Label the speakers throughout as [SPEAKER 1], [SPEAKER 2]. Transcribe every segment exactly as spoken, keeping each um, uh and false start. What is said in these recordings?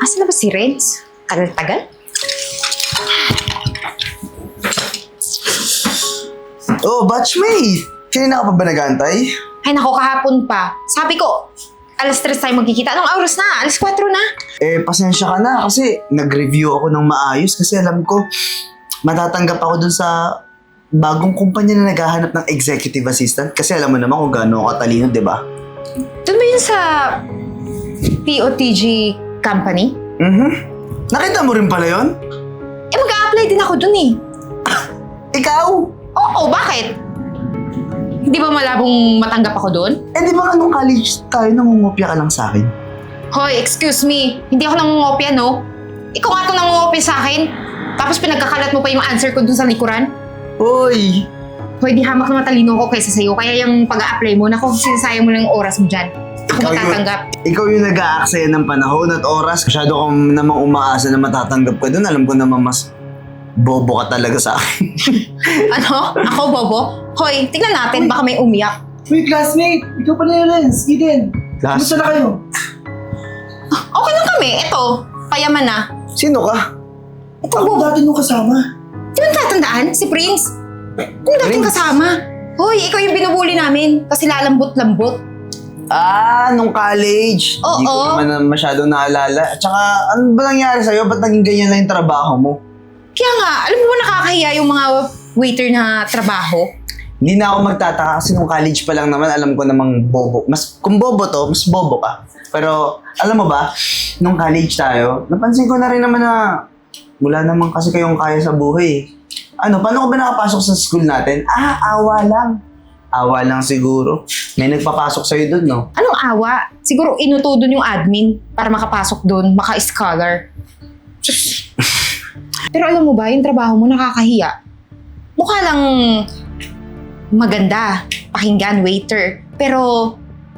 [SPEAKER 1] Asa na ba si Renz? Tagal-tagal?
[SPEAKER 2] Oh, batchmate! Kanina ka pa ba nag-aantay?
[SPEAKER 1] Ay nako, kahapon pa. Sabi ko, alas tres tayo magkikita. Anong oras na? Alas kwatro na.
[SPEAKER 2] Eh, pasensya ka na kasi nag-review ako ng maayos kasi alam ko matatanggap ako dun sa bagong kumpanya na naghahanap ng executive assistant kasi alam mo naman kung gaano ako katalino, di ba?
[SPEAKER 1] Doon ba yun sa T O T G company?
[SPEAKER 2] Mhm. Nakita mo rin pala yun?
[SPEAKER 1] Eh mag-a-apply din ako dun eh.
[SPEAKER 2] Ikaw?
[SPEAKER 1] Oo, bakit? Hindi ba malabong matanggap ako doon?
[SPEAKER 2] Eh, di ba nga nung college tayo nangungopia ka lang sa akin?
[SPEAKER 1] Hoy, excuse me. Hindi ako nangungopia, no? Ikaw nga itong nangungopia sa akin. Tapos pinagkakalat mo pa yung answer ko dun sa likuran.
[SPEAKER 2] Hoy!
[SPEAKER 1] Hoy, di hamak na matalino ko kaysa sa'yo. Kaya yung pag-a-apply mo, naku, sinasayang mo lang yung oras mo dyan. Ako
[SPEAKER 2] Ikaw yung-
[SPEAKER 1] matatanggap.
[SPEAKER 2] Ikaw yung nag-aaksaya ng panahon at oras. Masyado kang namang umaasa na matatanggap ka dun. Alam ko naman mas bobo ka talaga sa akin.
[SPEAKER 1] Ano? Ako, Bobo? Hoy, tignan natin. Baka may umiyak.
[SPEAKER 3] Uy, classmate! Ikaw pala yung Renz, Eden.
[SPEAKER 2] Class?
[SPEAKER 3] Kumusta na kayo?
[SPEAKER 1] Okay lang kami. Ito, payaman na.
[SPEAKER 2] Sino ka?
[SPEAKER 1] Ito,
[SPEAKER 3] Ako
[SPEAKER 1] Bobo.
[SPEAKER 3] dati nung kasama.
[SPEAKER 1] Di ba tatandaan? Si Prince? Kung dating
[SPEAKER 2] Prince?
[SPEAKER 1] kasama. Hoy, ikaw yung binubuli namin. Kasi lalambot-lambot.
[SPEAKER 2] Ah, nung college.
[SPEAKER 1] Oo.
[SPEAKER 2] Hindi ko naman na masyado naalala. At saka, ano ba nangyari sa'yo? Ba't naging ganyan lang yung trabaho mo?
[SPEAKER 1] Kaya nga, alam mo ba nakakahiya yung mga waiter na trabaho?
[SPEAKER 2] Hindi na ako magtataka kasi nung college pa lang naman, alam ko namang bobo. Mas, kung bobo to, mas bobo ka. Pero, alam mo ba, nung college tayo, napansin ko na rin naman na wala naman kasi kayong kaya sa buhay. Ano, paano ka ba nakapasok sa school natin? Ah, awa lang. Awa lang siguro. May nagpapasok sa'yo dun, no?
[SPEAKER 1] Anong awa? Siguro inuto dun yung admin para makapasok dun, maka-scholar. Diyos. Pero alam mo ba, yung trabaho mo nakakahiya. Mukha lang maganda, pakinggan, waiter. Pero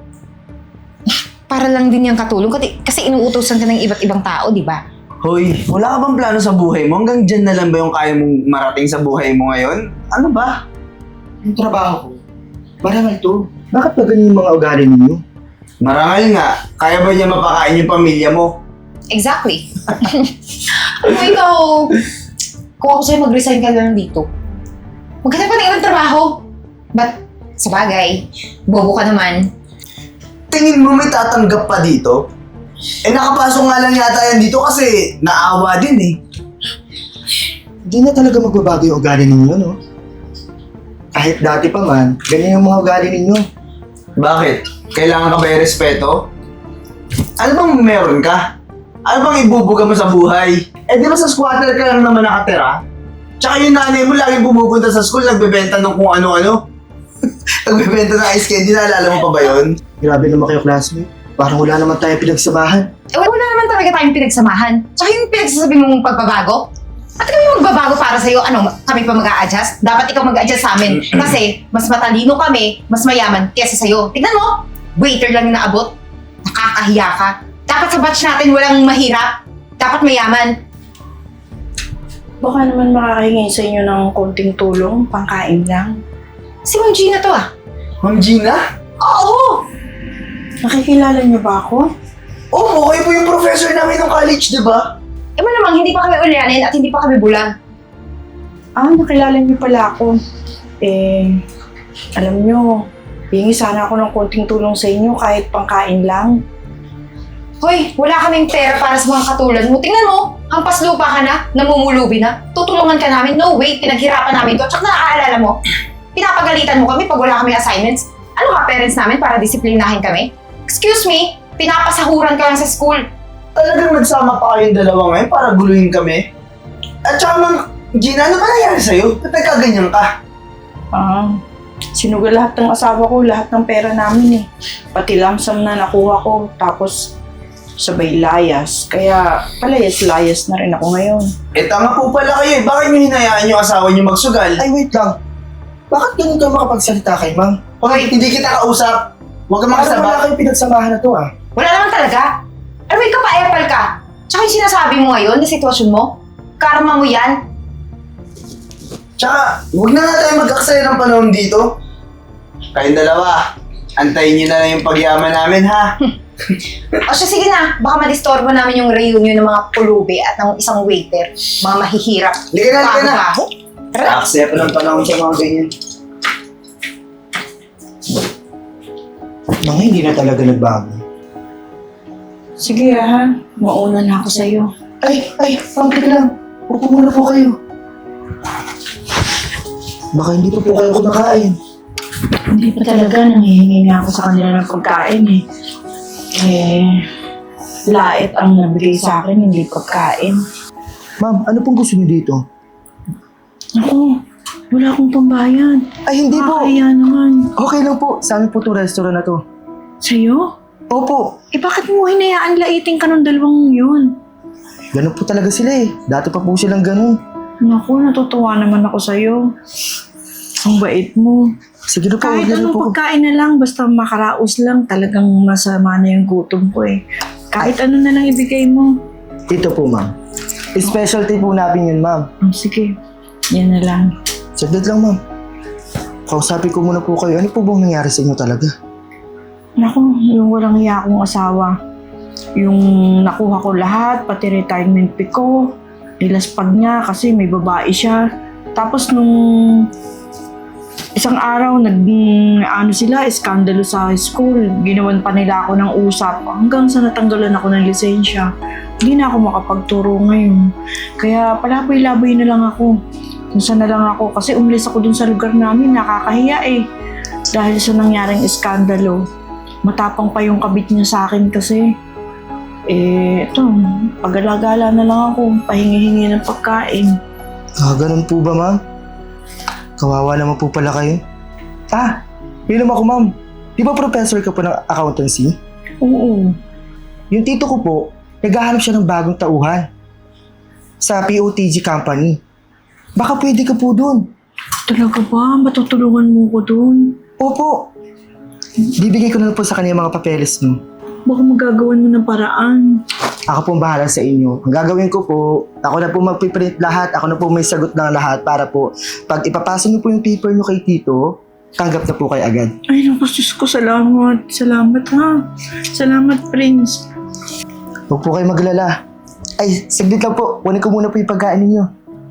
[SPEAKER 1] para lang din yung katulong kasi, kasi inuutosan ka ng iba't ibang tao, di ba?
[SPEAKER 2] Hoy, wala ka bang plano sa buhay mo? Hanggang dyan na lang ba yung kaya mong marating sa buhay mo ngayon? Ano ba?
[SPEAKER 3] Yung trabaho ko. Marangal to. Bakit ba ganyan yung mga ugali ninyo?
[SPEAKER 2] Marangal nga. Kaya ba niya mapakain yung pamilya mo?
[SPEAKER 1] Exactly. Kung ikaw, kung ako sa'yo mag-resign ka lang dito, maghanap ka ng ibang trabaho. But, sa bagay, bobo ka naman.
[SPEAKER 2] Tingin mo may tatanggap pa dito? Eh nakapasok nga lang yata yan dito kasi naawa din eh.
[SPEAKER 3] Hindi na talaga magbabago yung ugali ninyo, no? Kahit dati pa man, ganyan yung mga ugali ninyo.
[SPEAKER 2] Bakit? Kailangan ka ba i-respeto? Ano bang meron ka? Ano bang ibubuga mo sa buhay? Eh di ba sa squatter ka lang naman nakatira? Tsaka yung nanay mo laging pumupunta sa school, nagbebenta ng kung ano-ano. Nagbebenta ng ice candy, naalala mo pa ba yun?
[SPEAKER 3] Grabe naman kayo, classmate. Parang wala naman tayo pinagsamahan.
[SPEAKER 1] Eh, wala naman talaga tayong pinagsamahan. Tsaka yung pinagsasabi mong pagbabago, at kami magbabago para sa'yo, ano, kami pa mag-a-adjust? Dapat ikaw mag-a-adjust sa amin. Kasi mas matalino kami, mas mayaman kesa sa'yo. Tignan mo, waiter lang yung naabot. Nakakahiya ka. Dapat sa batch natin walang mahirap. Dapat mayaman.
[SPEAKER 4] Baka naman makakahingi sa inyo ng konting tulong, pangkain lang.
[SPEAKER 1] Si Ma'am Gina to ah.
[SPEAKER 2] Ma'am Gina?
[SPEAKER 1] Oo!
[SPEAKER 4] Nakikilala niyo ba ako?
[SPEAKER 2] Oo, kayo po yung professor namin ng college, di ba?
[SPEAKER 1] Eh malamang hindi pa kami ulyanin at hindi pa kami bulag.
[SPEAKER 4] Ah, nakilala niyo pala ako. Eh, alam niyo, hingi sana ako ng konting tulong sa inyo kahit pangkain lang.
[SPEAKER 1] Hoy, wala kaming pera para sa mga katulad mo. Tingnan mo, hampas lupa ka na, namumulubi na. Tutulungan ka namin. No way, pinaghirapan namin to. Tsaka nakaalala mo, pinapagalitan mo kami pag wala kami assignments. Ano ka, parents namin para disiplinahin kami? Excuse me, pinapasahuran ka lang sa school.
[SPEAKER 2] Talagang nagsama pa kayong dalawa ngayon para guluhin kami? At saka Ma'am Gina, ano ba nangyari sa'yo? Ba't nagkaganyan ka?
[SPEAKER 4] Ah, sinugal lahat ng asawa ko, lahat ng pera namin eh. Pati lamsam na nakuha ko, tapos sabay layas. Kaya palayas-layas na rin ako ngayon.
[SPEAKER 2] Eh tanga po pala kayo eh. Bakit nyo hinayaan yung asawa nyo magsugal?
[SPEAKER 3] Ay, wait lang. Bakit ganun ka makapagsalita kay ma'am?
[SPEAKER 2] Hoy, hindi kita kausap. Huwag ka
[SPEAKER 3] Parang wala
[SPEAKER 2] makasama.
[SPEAKER 3] kayong pinagsamahan na to, ah.
[SPEAKER 1] Wala naman talaga. Ano ka pa, epal ka? Tsaka yung sinasabi mo ngayon na sitwasyon mo, karma mo yan.
[SPEAKER 2] Tsaka, huwag na nga tayo mag-aksaya ng panahon dito. Kayong dalawa, antayin nyo na lang yung pagyaman namin ha.
[SPEAKER 1] O siya, sige na. Baka madistorbo namin yung reunion ng mga pulubi at ng isang waiter. Mga mahihirap.
[SPEAKER 2] Liga na, liga na.
[SPEAKER 1] Bago-bago. Tara.
[SPEAKER 2] Aksaya pa ng panahon sa mga ganyan.
[SPEAKER 3] Mga hindi na talaga nagbago.
[SPEAKER 4] Sige ha, mauna na ako sa'yo.
[SPEAKER 3] Ay, ay, pangkik lang. Upo muna po kayo. Baka hindi pa po kayo kumakain.
[SPEAKER 4] Hindi pa talaga, nangihingi nga ako sa kanila ng pagkain eh. Eh, lait ang nabigay sa akin, hindi pagkain.
[SPEAKER 3] Ma'am, ano pong gusto niyo dito?
[SPEAKER 4] Ako, wala akong pambayad.
[SPEAKER 3] Ay, hindi po.
[SPEAKER 4] Kaya naman.
[SPEAKER 3] Okay lang po. Sa amin po itong restaurant na to.
[SPEAKER 4] Sa'yo?
[SPEAKER 3] Opo.
[SPEAKER 4] Eh bakit mo hinayaan laiting ka ng dalawang yun?
[SPEAKER 3] Ganun po talaga sila eh. Dati pa po silang ganun.
[SPEAKER 4] Naku, natutuwa naman ako sa'yo. Ang bait mo.
[SPEAKER 3] Sige na po.
[SPEAKER 4] Kahit
[SPEAKER 3] huwag na
[SPEAKER 4] anong
[SPEAKER 3] po.
[SPEAKER 4] pagkain na lang, basta makaraos lang, talagang masama na yung gutom ko eh. Kahit ano na lang ibigay mo.
[SPEAKER 3] Ito po, ma'am. Specialty po namin yun, ma'am.
[SPEAKER 4] Oh, sige, yan na lang.
[SPEAKER 3] Saglit lang, ma'am. Kausapin ko muna po kayo. Ano po bang nangyari sa inyo talaga?
[SPEAKER 4] Naku, yung walang hiya akong asawa. Yung nakuha ko lahat, pati retirement pay ko, nilaspag niya kasi may babae siya. Tapos nung isang araw, nag, ano sila, iskandalo sa school. Ginawan pa nila ako ng usap hanggang sa natanggalan ako ng lisensya. Hindi na ako makapagturo ngayon. Kaya palaboy-laboy na lang ako. Kung saan na lang ako. Kasi umalis ako dun sa lugar namin, nakakahiya eh. Dahil sa nangyaring iskandalo. Matapang pa yung kabit niya sa akin kasi. Eh, ito, pag-alagala na lang ako, pahingi-hingi ng pagkain.
[SPEAKER 3] Ah, ganun po ba, ma'am? Kawawa naman po pala kayo. Ah, yun naman ako, ma'am. Di ba professor ka po ng accountancy?
[SPEAKER 4] Oo.
[SPEAKER 3] Yung tito ko po, naghahanap siya ng bagong tauhan sa P O T G company. Baka pwede ka po dun.
[SPEAKER 4] Talaga ba? Matutulungan mo ko dun?
[SPEAKER 3] Opo. Bibigay ko na lang po sa kanya yung mga papeles niyo.
[SPEAKER 4] Baka magagawan mo ng paraan.
[SPEAKER 3] Ako po ang bahala sa inyo. Ang gagawin ko po, ako na po magpiprint lahat, ako na po may sagot ng lahat para po, pag ipapasa niyo po yung paper niyo kay tito, tanggap na po kayo agad.
[SPEAKER 4] Ay, naku, Diyos ko, salamat. Salamat ha. Salamat, Prince.
[SPEAKER 3] Huwag po kayo maglala. Ay, saglit lang po. Kunin ko muna po yung pagkain ninyo.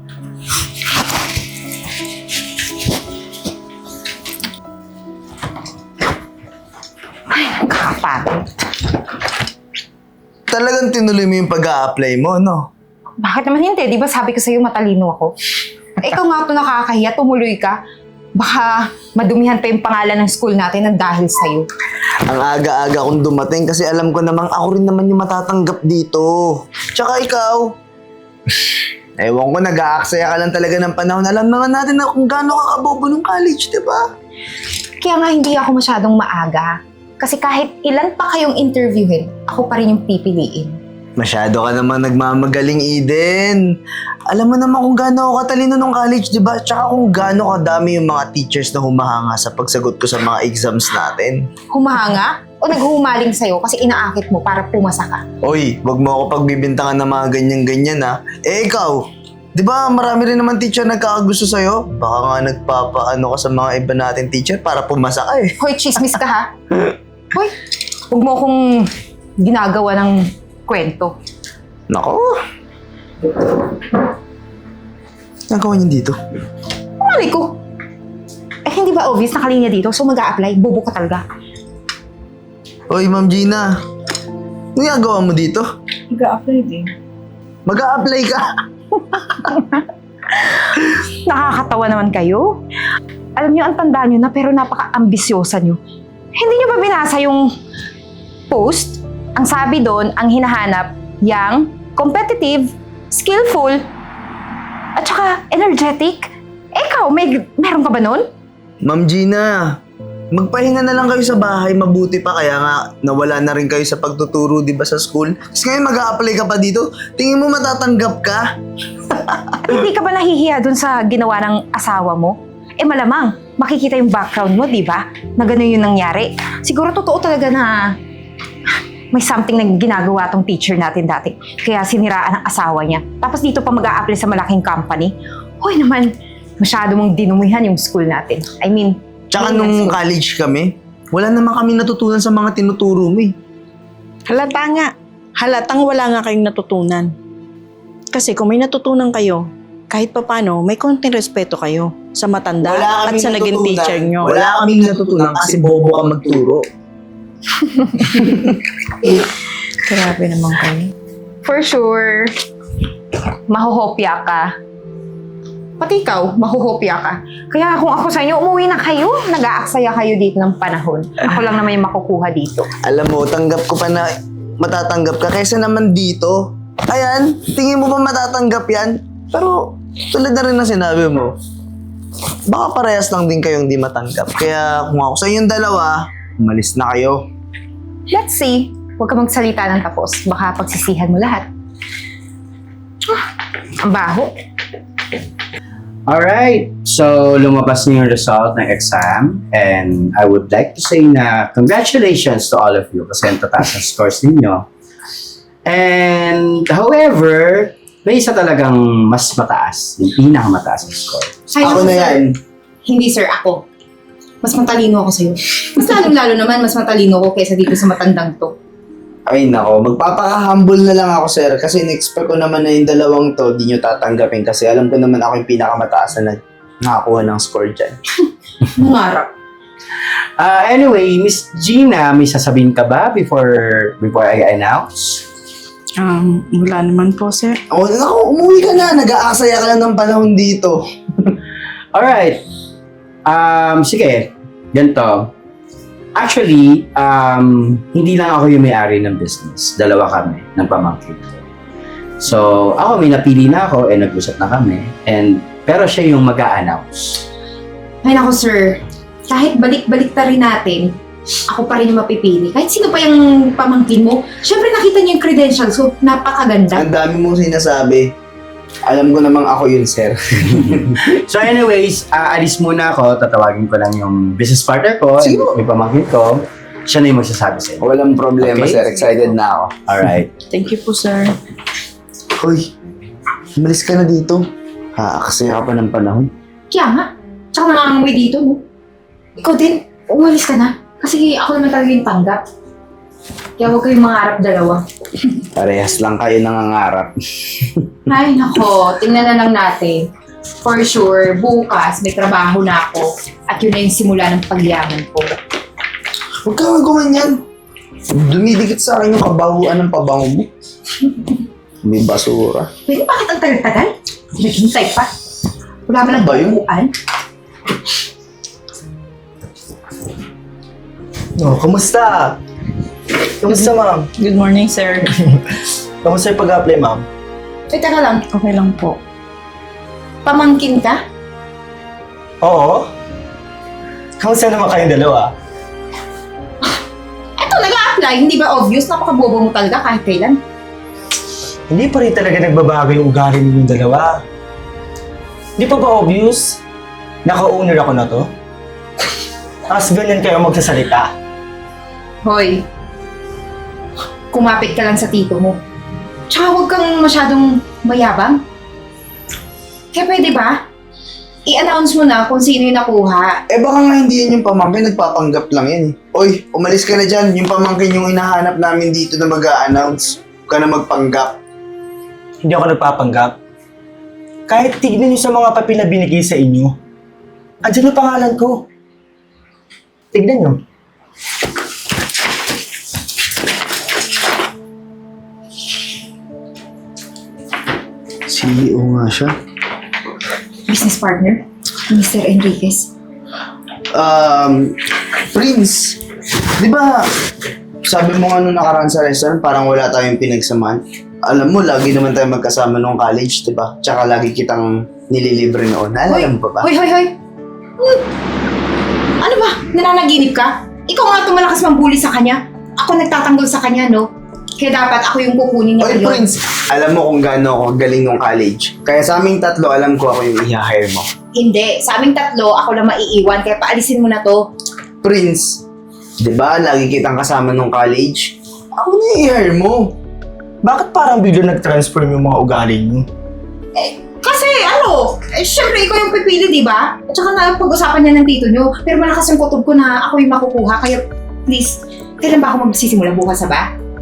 [SPEAKER 1] Kapatid.
[SPEAKER 2] Talagang tinuloy mo yung pag-a-apply mo, no?
[SPEAKER 1] Bakit naman hindi? Di ba sabi ko sa'yo matalino ako? Eh, ikaw nga ito nakakahiya, tumuloy ka. Baka madumihan pa yung pangalan ng school natin ng dahil sa'yo.
[SPEAKER 2] Ang aga-aga kong dumating kasi alam ko namang ako rin naman yung matatanggap dito. Tsaka ikaw, ewan ko, nag-aaksaya ka lang talaga ng panahon. Alam naman natin na kung gaano ka kabobo ng college, di ba?
[SPEAKER 1] Kaya nga hindi ako masyadong maaga. Kasi kahit ilan pa kayong interviewin, ako pa rin yung pipiliin.
[SPEAKER 2] Masyado ka naman nagmamagaling, Eden. Alam mo naman kung gaano ako katalino nung college, di ba? Tsaka kung gaano kadami yung mga teachers na humahanga sa pagsagot ko sa mga exams natin.
[SPEAKER 1] Humahanga? O naghuhumaling sa'yo kasi inaakit mo para pumasa ka?
[SPEAKER 2] Oy, wag mo ako pagbibintangan ng mga ganyan-ganyan, ha? Eh, ikaw, di ba marami rin naman teacher nagkakagusto sa'yo? Baka nga nagpapaano ka sa mga iba natin teacher para pumasa ka, eh.
[SPEAKER 1] Hoy, chismis ka ha? Hoy, huwag mo akong ginagawa ng kwento.
[SPEAKER 2] Nako. Ang gawin niyo dito?
[SPEAKER 1] Mali ko. Eh, hindi ba obvious na kalinya dito? So mag-a-apply, bobo ka talaga.
[SPEAKER 2] Oy, Ma'am Gina. Ano ginagawa mo dito?
[SPEAKER 4] Mag-a-apply din.
[SPEAKER 2] Mag-a-apply ka?
[SPEAKER 1] Nakakatawa naman kayo. Alam niyo, ang tanda niyo na pero napaka-ambisyosa niyo. Hindi niyo ba binasa yung post? Ang sabi doon, ang hinahanap, young, competitive, skillful, at saka energetic. Ikaw, may, meron ka ba nun?
[SPEAKER 2] Ma'am Gina, magpahinga na lang kayo sa bahay, mabuti pa, kaya nga nawala na rin kayo sa pagtuturo, di ba, sa school? Kasi ngayon mag-a-apply ka pa dito, tingin mo matatanggap ka?
[SPEAKER 1] Hindi ka ba nahihiya dun sa ginawa ng asawa mo? Eh malamang, makikita yung background mo, di ba? Na gano'n yung nangyari. Siguro totoo talaga na may something na ginagawa tong teacher natin dati. Kaya siniraan ang asawa niya. Tapos dito pa mag-a-apply sa malaking company. Hoy naman, masyado mong dinumihan yung school natin. I mean,
[SPEAKER 2] Tsaka
[SPEAKER 1] Ayun,
[SPEAKER 2] nung
[SPEAKER 1] school.
[SPEAKER 2] college kami, wala naman kami natutunan sa mga tinuturo mo, eh.
[SPEAKER 4] Halata nga. Halatang wala nga kayong natutunan. Kasi kung may natutunan kayo, kahit papano, may konting respeto kayo sa matanda
[SPEAKER 2] Wala
[SPEAKER 4] at
[SPEAKER 2] kaming
[SPEAKER 4] sa naging
[SPEAKER 2] natutunan.
[SPEAKER 4] teacher nyo.
[SPEAKER 3] Wala kaming natutunan kasi bobo ka magturo.
[SPEAKER 4] Grabe naman kayo.
[SPEAKER 1] For sure, mahuhopya ka. Pati ikaw, mahuhopya ka. Kaya kung ako sa inyo, umuwi na kayo. Nag-aaksaya kayo dito ng panahon. Ako lang naman yung makukuha dito.
[SPEAKER 2] Alam mo, tanggap ko pa na matatanggap ka kaysa naman dito. Ayan, tingin mo ba matatanggap yan? Pero, tulad na rin na sinabi mo, baka parehas lang din kayong di matanggap. Kaya kung ako sa inyong dalawa, umalis na kayo.
[SPEAKER 1] Let's see. Huwag ka magsalita ng tapos. Baka pagsisihan mo lahat. Ah, ang baho.
[SPEAKER 5] Alright, so lumabas na yung result ng exam and I would like to say na congratulations to all of you kasi ang tataas ang scores ninyo. And however, may isa talagang mas mataas, yung pinakamataas ang score.
[SPEAKER 1] Ay,
[SPEAKER 2] Ako
[SPEAKER 1] naku,
[SPEAKER 2] na
[SPEAKER 1] sir.
[SPEAKER 2] yan.
[SPEAKER 1] Hindi, sir. Ako. Mas matalino ako sa'yo. Mas lalong-lalo naman, mas matalino ako kaysa dito sa matandang to.
[SPEAKER 2] Ay nako, magpapaka-humble na lang ako sir kasi in-expect ko naman na yung dalawang to di nyo tatanggapin kasi alam ko naman ako yung pinakamataas na nakakuha ng score dyan.
[SPEAKER 1] Mangarap.
[SPEAKER 5] Uh, anyway, Miss Gina, may sasabihin ka ba before before I announce?
[SPEAKER 4] Um, wala naman po, sir.
[SPEAKER 2] Oh, nako, umuwi ka na. Nag-aasaya ka lang ng panahon dito.
[SPEAKER 5] Alright, um, sige, ganito. Actually, um, hindi lang ako yung may-ari ng business. Dalawa kami ng pamangkin ko. So, ako may napili na ako and nag-usap na kami. And, pero siya yung mag-a-announce.
[SPEAKER 1] Ay, naku, sir. Kahit balik-balik ta rin natin, ako pa rin yung mapipili. Kahit sino pa yung pamangkin mo, syempre nakita niyo yung credentials ko. Napakaganda.
[SPEAKER 2] Ang dami mong sinasabi. Alam ko namang ako yun, sir.
[SPEAKER 5] So anyways, aalis muna ako. Tatawagin ko lang yung business partner ko and
[SPEAKER 2] Sino?
[SPEAKER 5] yung pamangkin ko. Siya na yung magsasabi sa'yo.
[SPEAKER 2] Walang problema,
[SPEAKER 5] Okay.
[SPEAKER 2] sir. Excited na ako.
[SPEAKER 5] Alright.
[SPEAKER 4] Thank you po, sir.
[SPEAKER 2] Hoy, umalis ka na dito. Haakasaya ka pa ng panahon.
[SPEAKER 1] Kaya nga. Tsaka nangangamoy dito, no? Ikaw din, umalis ka na. Kasi ako naman talaga yung tanggap. Kaya huwag kayong mangarap dalawa.
[SPEAKER 2] Parehas lang kayo nangangarap.
[SPEAKER 1] Ay, nako. Tingnan na lang natin. For sure, bukas may trabaho na ako. At yun na yung simula ng pagyaman ko.
[SPEAKER 2] Huwag ka gumanyan. Dumidikit sa akin yung kabahuan ng pabango mo. May basura.
[SPEAKER 1] Pwede bakit ang tagal-tagal? Naghintay pa. Wala mo lang
[SPEAKER 2] Ba yun?
[SPEAKER 1] buuan.
[SPEAKER 3] Oh, kumusta? Kumusta, ma'am?
[SPEAKER 4] Good morning, sir.
[SPEAKER 3] Kumusta yung pag-apply, ma'am?
[SPEAKER 1] Ay, teka lang.
[SPEAKER 4] Okay lang po.
[SPEAKER 1] Pamangkin ka?
[SPEAKER 3] Oo. Kumusta naman kayong dalawa?
[SPEAKER 1] Eto, nag-a-apply. Hindi ba obvious? Napakabobo mo talaga kahit kailan.
[SPEAKER 3] Hindi pa rin talaga nagbabago yung ugali ninyong dalawa. Hindi pa ba obvious? Naka-owner ako na to? Tapos ganyan kayo magsasalita.
[SPEAKER 1] Hoy, kumapit ka lang sa tito mo. Tsaka huwag kang masyadong mayabang. Kaya pwede ba? I-announce mo na kung sino yung nakuha.
[SPEAKER 2] Eh baka nga hindi yan yung pamangkin, nagpapanggap lang yan. eh. Oy, umalis ka na dyan. Yung pamangkin yung hinahanap namin dito na mag-a-announce. Huwag ka na magpanggap.
[SPEAKER 3] Hindi ako nagpapanggap. Kahit tignan niyo sa mga papel na binigay sa inyo, andyan yung pangalan ko. Tignan niyo.
[SPEAKER 2] C E O nga siya.
[SPEAKER 1] Business partner, Mister Enriquez.
[SPEAKER 2] Um, Prince, di ba sabi mo nga nung nakaraan sa restaurant, parang wala tayong pinagsamahan. Alam mo, lagi naman tayo magkasama nung college, di ba? Tsaka lagi kitang nililibre noon. Naalala mo pa ba?
[SPEAKER 1] Hoy, hoy, hoy! Hmm. Ano ba? Nananaginip ka? Ikaw nga tumalakas mambuli sa kanya. Ako nagtatanggol sa kanya, no? Kaya dapat ako yung kukunin niya
[SPEAKER 2] Oy,
[SPEAKER 1] ngayon.
[SPEAKER 2] Prince, alam mo kung gaano ako galing nung college. Kaya sa aming tatlo, alam ko ako yung i-hire mo.
[SPEAKER 1] Hindi. Sa aming tatlo, ako lang maiiwan. Kaya paalisin mo na to.
[SPEAKER 2] Prince, di ba lagi kitang kasama nung college? Ako na i-hire mo.
[SPEAKER 3] Bakit parang bigla nag-transform yung mga ugali niyo?
[SPEAKER 1] Eh, kasi ano, eh, syempre ikaw yung pipili, di ba? At saka na pag-usapan niya ng tito niyo. Pero malakas yung kutob ko na ako yung makukuha. Kaya please, kailan ba ako magsisimula? Bukas na ba?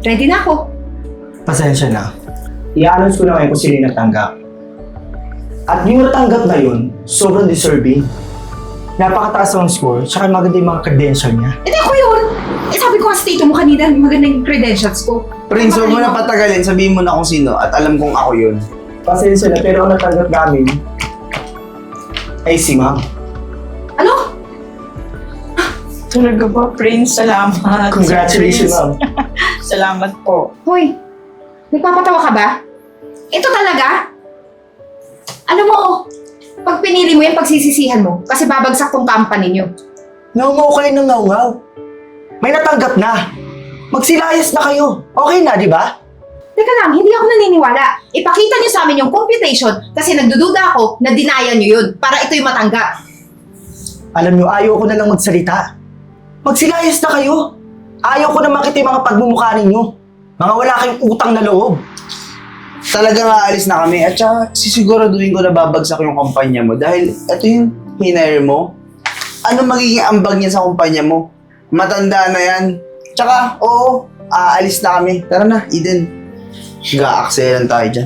[SPEAKER 1] Ready na ako.
[SPEAKER 3] Pasensya na. I-announce ko na ngayon kung sino yung natanggap. At yung natanggap na yun, sobrang deserving. Napakataas ang score, tsaka maganda yung mga credential niya.
[SPEAKER 1] Eh, di ako yun. Eh, sabi ko nga sa tito mo kanina, maganda yung credentials ko.
[SPEAKER 2] Prince, huwag mo na patagalin. Sabihin mo na kung sino at alam kong ako yun.
[SPEAKER 3] Pasensya na, pero ang natanggap namin ay si Ma'am.
[SPEAKER 1] Ano?
[SPEAKER 4] Talaga ba, Prince? Salamat.
[SPEAKER 3] Congratulations,
[SPEAKER 4] Prince.
[SPEAKER 3] Ma'am.
[SPEAKER 4] Salamat po.
[SPEAKER 1] Hoy, nagpapatawa ka ba? Ito talaga? Alam mo, pag pinili mo yan, pagsisisihan mo. Kasi babagsak tong company nyo.
[SPEAKER 3] Ngaw-ngaw kayo ng ngaw-ngaw. May natanggap na. Magsilayas na kayo. Okay na, di ba?
[SPEAKER 1] Teka lang, hindi ako naniniwala. Ipakita nyo sa amin yung computation kasi nagdududa ako na dinaya nyo yun para ito yung matanggap.
[SPEAKER 3] Alam nyo, ayaw ko na lang magsalita. Magsilayas na kayo. Ayaw ko na makita yung mga pagmumukha ninyo. Mga wala kayong utang na loob.
[SPEAKER 2] Talagang aalis na kami at saka sisiguraduhin ko na babagsak yung kumpanya mo dahil ito yung hinire mo. Ano magiging ambag niya sa kumpanya mo? Matanda na yan. Tsaka, oo, aalis na kami. Tara na, Eden. Ga-akselan tayo dyan.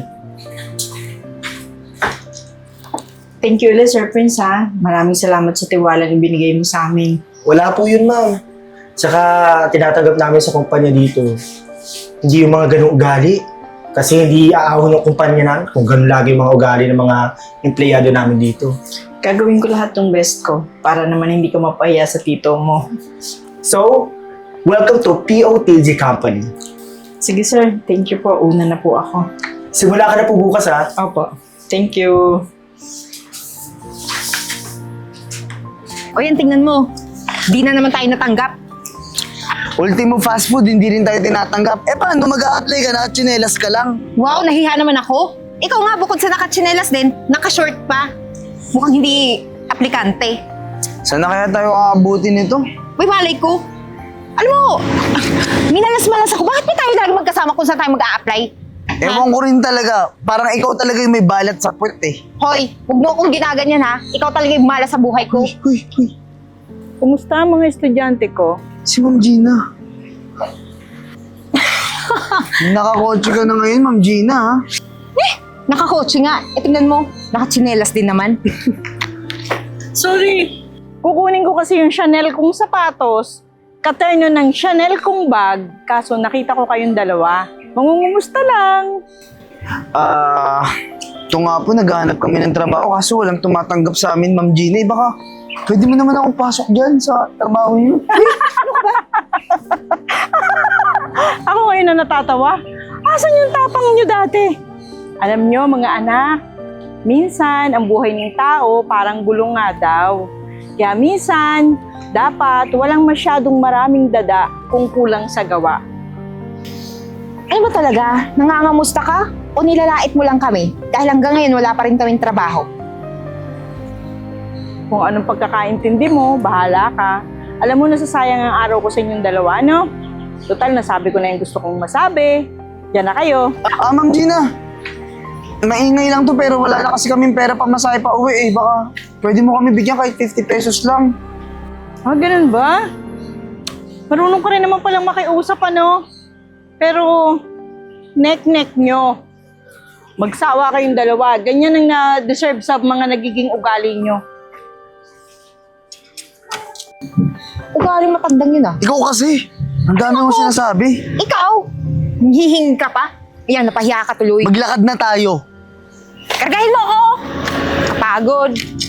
[SPEAKER 4] Thank you ulit, Sir Prince, ha? Maraming salamat sa tiwala na binigay mo sa amin.
[SPEAKER 3] Wala po yun, ma'am. Tsaka tinatanggap namin sa kumpanya dito. Hindi yung mga ganong ugali. Kasi hindi aahon ng kumpanya namin kung ganon lagi yung mga ugali ng mga empleyado namin dito.
[SPEAKER 4] Gagawin ko lahat ng best ko para naman hindi ka mapahiya sa tito mo.
[SPEAKER 3] So, welcome to P O T G Company.
[SPEAKER 4] Sige, sir. Thank you po. Una na po ako.
[SPEAKER 3] Simula ka na po bukas, ha?
[SPEAKER 4] Opo. Thank you.
[SPEAKER 1] O yan, tingnan mo. Di na naman tayo natanggap.
[SPEAKER 2] Ultimo fast food, hindi rin tayo tinatanggap. Eh paano mag-a-apply ka na at tsinelas ka lang?
[SPEAKER 1] Wow, nahiya naman ako. Ikaw nga, bukod sa nakatsinelas din, nakashort pa. Mukhang hindi aplikante.
[SPEAKER 2] Saan na kaya tayo aabutin nito?
[SPEAKER 1] Uy, malay ko. Alam mo, minalas-malas ako. Bakit ba tayo lagi magkasama kung saan tayo mag-a-apply?
[SPEAKER 2] Ewan ko rin talaga. Parang ikaw talaga yung may balat sa puwet eh.
[SPEAKER 1] Hoy, huwag mo akong ginaganyan ha. Ikaw talaga yung malas sa buhay ko.
[SPEAKER 2] Uy, uy.
[SPEAKER 4] Kumusta ang mga estudyante ko?
[SPEAKER 2] Si Ma'am Gina. Nakakotse ka na ngayon, Ma'am Gina, ha?
[SPEAKER 1] Nakakotse nga. E tingnan mo, nakatsinelas din naman.
[SPEAKER 4] Sorry. Kukunin ko kasi yung Chanel kong sapatos, katerno ng Chanel kong bag, kaso nakita ko kayong dalawa. Mangungumusta lang.
[SPEAKER 2] Ah, ito nga po, naghahanap kami ng trabaho kaso walang tumatanggap sa amin, Ma'am Gina. Eh, baka pwede mo naman akong pasok dyan sa trabaho niyo.
[SPEAKER 4] Ako ngayon na natatawa. Asan yung tapang nyo dati? Alam nyo, mga anak, minsan ang buhay ng tao parang gulong nga daw. Kaya minsan, dapat walang masyadong maraming dada kung kulang sa gawa.
[SPEAKER 1] Ano ba talaga? Nangangamusta ka? O nilalait mo lang kami? Dahil hanggang ngayon wala pa rin kaming trabaho.
[SPEAKER 4] Kung anong pagkakaintindi mo, bahala ka. Alam mo, nasasayang ang araw ko sa inyong dalawa, no? Total, nasabi ko na yung gusto kong masabi. Yan na kayo.
[SPEAKER 2] Ah, Ma'am Gina. Maingay lang to pero wala na kasi kaming pera pa masahe pa uwi eh. Baka pwede mo kami bigyan kahit fifty pesos lang.
[SPEAKER 4] Ah, ganun ba? Marunong ka rin naman palang makiusap, ano? Pero, neck-neck nyo. Magsawa kayong dalawa. Ganyan ang na-deserve sa mga nagiging ugali nyo.
[SPEAKER 1] Ugaling matandang yun ah.
[SPEAKER 2] Ikaw kasi. Ang dami mong sinasabi.
[SPEAKER 1] Ikaw? Hihing ka pa? Ayan, napahiya ka tuloy.
[SPEAKER 2] Maglakad na tayo.
[SPEAKER 1] Kargahin mo ako! Kapagod.